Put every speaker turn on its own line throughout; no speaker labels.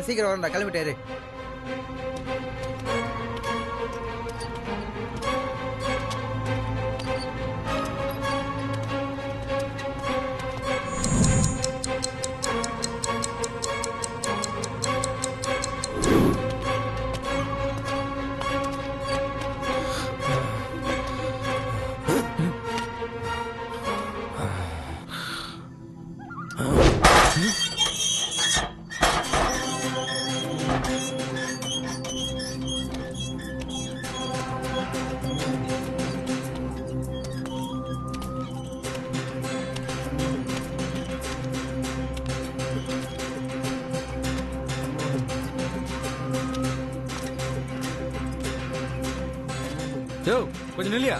சீக்கிரம் வரண்டா, கிளம்பிட்டாரு.
யோ கொஞ்சம் நில்லியா.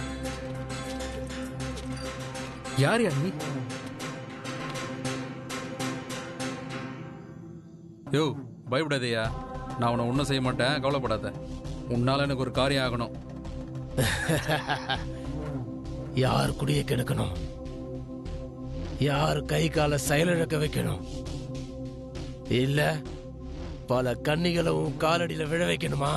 யார் யா நீ? யோ பயப்படாதயா, நான் உன்னை ஒன்றும் செய்ய மாட்டேன், கவலைப்படாத. உன்னால எனக்கு ஒரு காரியம் ஆகணும்.
யார் குடிய கெடுக்கணும், யார் கை கால செயலிழக்க வைக்கணும், இல்ல பல கன்னிகளும் காலடியில விழ வைக்கணுமா?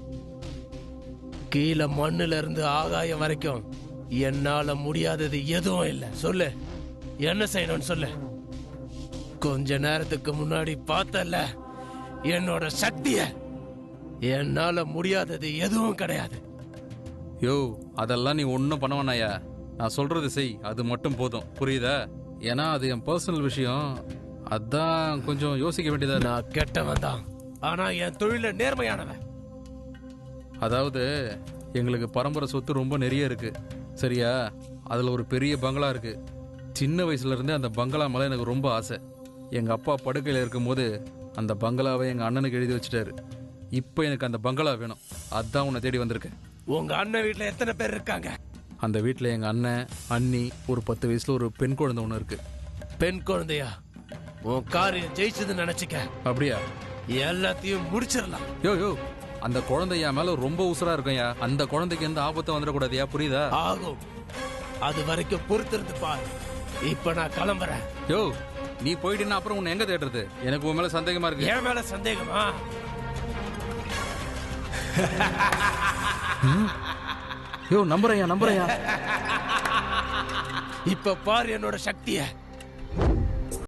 கீழே மண்ணுல இருந்து ஆகாயம் வரைக்கும் என்னால முடியாதது எதுவும் இல்லை. சொல்லு, என்ன செய்யணும்னு சொல்லு. கொஞ்ச நேரத்துக்கு முன்னாடி பார்த்தல என்னோட சக்திய. என்னால முடியாதது எதுவும் கிடையாது.
யோ அதெல்லாம் நீ ஒன்றும் பண்ண வேணாயா, நான் சொல்றது செய், அது மட்டும் போதும், புரியுதா? ஏன்னா அது என் பர்சனல் விஷயம், அதான் கொஞ்சம் யோசிக்க வேண்டியதா.
நான் கெட்டவன் தான், ஆனா என் தொழில நேர்மையானவன்.
அதாவது எங்களுக்கு பரம்பரை சொத்து ரொம்ப நிறைய இருக்கு, சரியா? அதில் ஒரு பெரிய பங்களா இருக்கு. சின்ன வயசுல இருந்தே அந்த பங்களா மேலே எனக்கு ரொம்ப ஆசை. எங்கள் அப்பா படுக்கையில் இருக்கும்போது அந்த பங்களாவை எங்கள் அண்ணனுக்கு எழுதி வச்சுட்டாரு. இப்போ எனக்கு அந்த பங்களா வேணும், அதான் உன்னை தேடி வந்திருக்கேன்.
உங்க அண்ணன் வீட்டில் எத்தனை பேர் இருக்காங்க?
அந்த வீட்டில் எங்கள் அண்ணன், அண்ணி, ஒரு 10 வயசுல ஒரு பெண் குழந்தை ஒன்று இருக்கு.
பெண் குழந்தையா? உன் காரியம் ஜெயிச்சதுன்னு நினைச்சுக்க.
அப்படியா?
எல்லாத்தையும் முடிச்சிடலாம்.
யோ யோ அந்த குழந்தை என் மேல ரொம்ப உசுரா இருக்கும்யா, அந்த குழந்தைக்கு எந்த ஆபத்தும் வந்துடக்கூடாதுயா, புரியுதா?
ஆகும், அது வரைக்கும் பொறுத்திருந்து பாரு. இப்ப நான் கிளம்புறேன்.
யோ நீ போயிட்டீன்னா அப்புறம் உன்னை எங்க தேடுறது? எனக்கு உன் மேல சந்தேகமா இருக்கு.
என் மேல சந்தேகமா?
யோ நம்புறையா நம்புறையா.
இப்ப பாரு என்னோட சக்திய.